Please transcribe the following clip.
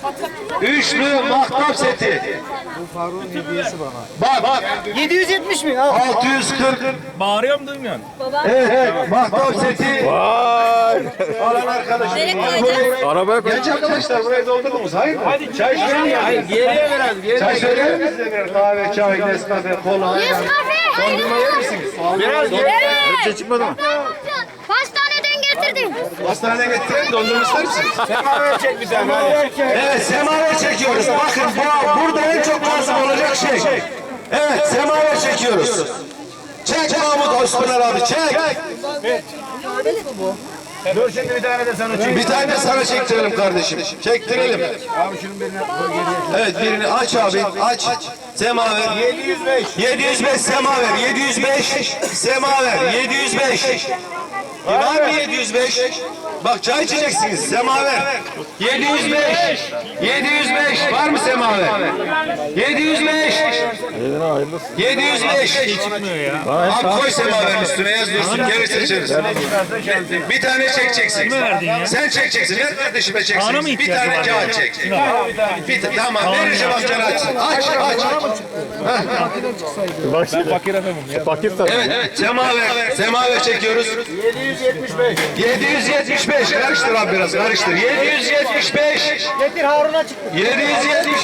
Üçlü mahtap seti. Bu Faruk'un hediyesi bana. Bak 770 mi? Al. 640. Bağırıyorum duymuyorsun. Evet, mahtap seti. Vay. Alan arkadaşım. Arabaya koy. Genç arkadaşlar burayı doldurdunuz. Hayır. Hadi çay söyleyin ya. Geriye biraz. Geriye. Çay söyler misiniz de birer kahve, çay, Nescafe, kola, ayran. Dondurma yer misiniz? Biraz geriye. Hepsi çıkmadı mı? Hastaneden getirdim. Hastaneye getirin, dondurma ister misiniz? Semaver çek bir tane. Evet, semaver çekiyoruz. Bakın burada en çok lazım olacak şey. Evet, semaver çekiyoruz. Çek Mahmut Osman abi, çek. Dur şimdi bir tane de sana çek. Bir tane de sana çektirelim kardeşim. Çektirelim. Abi şunun birini Evet, birini aç abi, aç. Semaver. 705. 705 semaver, 705 semaver, 705. Var mı 705? Bak çay içeceksiniz, semaver. 705, 705. Var mı semaver? 705, Eline hayırlısı. 705. Abi koy semaverin üstüne yaz dursun, geri seçeriz. Bir tane çekeceksin. Sen çekeceksin, ver kardeşime çeksin. Bir tane kağıt çek. Tamam, vereceğim amcana açsın. Aç, aç. Bak şimdi. Fakir adamım ya. Fakir tabii. Evet, semaver çekiyoruz. 775. 775, karıştır abi biraz, karıştır. 775. Getir Harun'a çıktı. 775.